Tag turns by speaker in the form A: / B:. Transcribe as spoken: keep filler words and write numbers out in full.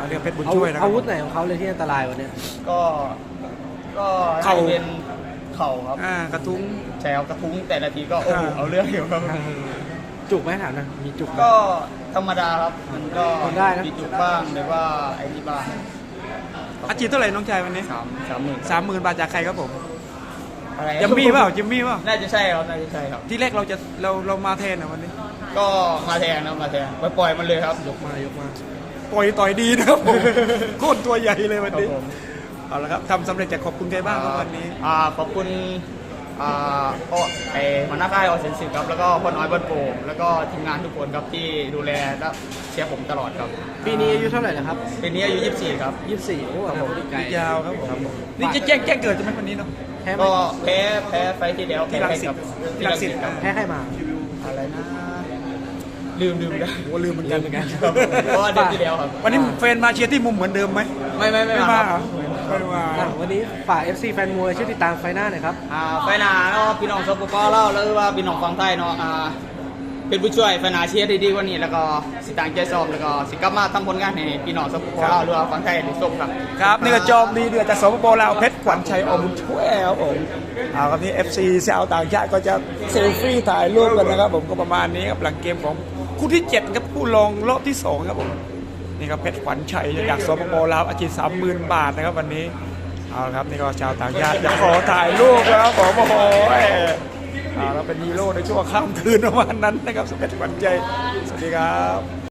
A: เรียกเพชรบุญช่วยนะครับ
B: อาวุธไหนของเขาเลยที่อันตรายวันนี้
C: ก็ก็
A: เข่า
C: ให้เป็นเข่าครับ
A: อ่ากระทุ้ง
C: ใช่ครับกระทุ้งแต่ละทีก็โอ้โห
A: อ่า
C: เอาเรื่องอยู่ครับ
B: จุกไหมถามนะมีจุกไหม
C: ก็ธรรมดาครับมันก็
B: ทนได้นะ
C: มีจุกบ้างหรือว่าไอ้นี่บ้าง
A: อาชีพเท่าไหร่น้องชายวันนี้
C: สามสามหมื่น
A: สามหมื่นบาทจากใครครับผม
C: อะไร
A: จิมมี่เปล่าจิมมี่เปล่า
C: น่าจะใช่ครับน่าจะใช่ครับ
A: ที่แรกเราจะเราเรามาแทนนะวันนี้
C: ก็มาแทนนะมาแทนไปปล่อยมันเลยครับ
B: ยกมายกมา
A: ปล่อยต่อยดีนะครับผม โคตรตัวใหญ่เลยวัน
C: ครับ
A: นี้
C: ผม
A: เอาละครับทำสำเร็จจากขอบคุณใครบ้างครับวันนี้
C: อ่าขอบคุณอ่าโอ้ไอหัวหน้าค่ายออเซนสิครับแล้วก็พ่อน้อยบ้านโป่งแล้วก็ทีมงานทุกคนครับที่ดูแลและเชียร์ผมตลอดครับ
B: ปีนี้อายุเท่าไหร่นะครับ
C: ปีนี้อายุยี่สิบสี่ครับ
B: ยี่สิบสี่โอ้โหไกล
A: ยาวครับผมนี่จะแจ้งแจ้งเกิดใช่ไหมวันนี้เนาะ
B: แพ้ไหม
C: ก็แพ้แพ้ไฟล์ที่แล้ว
A: ที่รังสิต
C: ที่รังสิตครับ
B: แพ้ใครมา
C: อะไรนะลืมลืมได้
A: โอ้ลืมเหมือนกันเหมือนกัน
C: ครับเพราะว่าเดือนที่แล้วครับ
A: วันนี้แฟนมาเชียร์ที่มุมเหมือนเดิมไหม
C: ไม่ไม่ไม่
A: ไม่
C: มา
A: มา
C: ค
A: เหร
C: รั
A: อบ ไม่มา
B: อ่ะวันนี้ฝาก เอฟ ซี แฟนมวยช่วยติดตามไฟหน้าหน่อยครับ
C: อ่าไฟล์หนาเนาะพี่น้องสปปลาวแล้วว่าพี่น้องฟังไทยเนาะอ่าเป็นผู้ช่วยไฟล์หนาเชียร์ดีๆกว่านี้แล้วก็สิต่างใจซ้อมแล้วก็สิกลับมาทำผลงานให้พี่น้องสปปลาวหรือว่าฟังไทยได้ชมครับ
A: ครับนี่ก็จอมดีเดือดจากสปปลาวเพชรขวัญชัยอบุญช่วยครับผมเอาครับนี่ เอฟ ซี ชาวต่างชาติก็จะเซลฟี่ถ่ายรูปกันนะครับผมก็ประมาณนี้ครับหลังเกมของคู่ที่เจ็ดครับคู่รองรอบที่สองครับผมนี่ครับเพชรขวัญชัยจากสปปลาวอาชีพสามหมื่นบาทนะครับวันนี้เอาละครับนี่ก็ชาวต่างชาติจะขอถ่ายรูปนะครับผมโอ้โหเอาแล้วเป็นฮีโร่ในช่วงค่ำคืนประมาณนั้นนะครับเพชรขวัญชัยสวัสดีครับ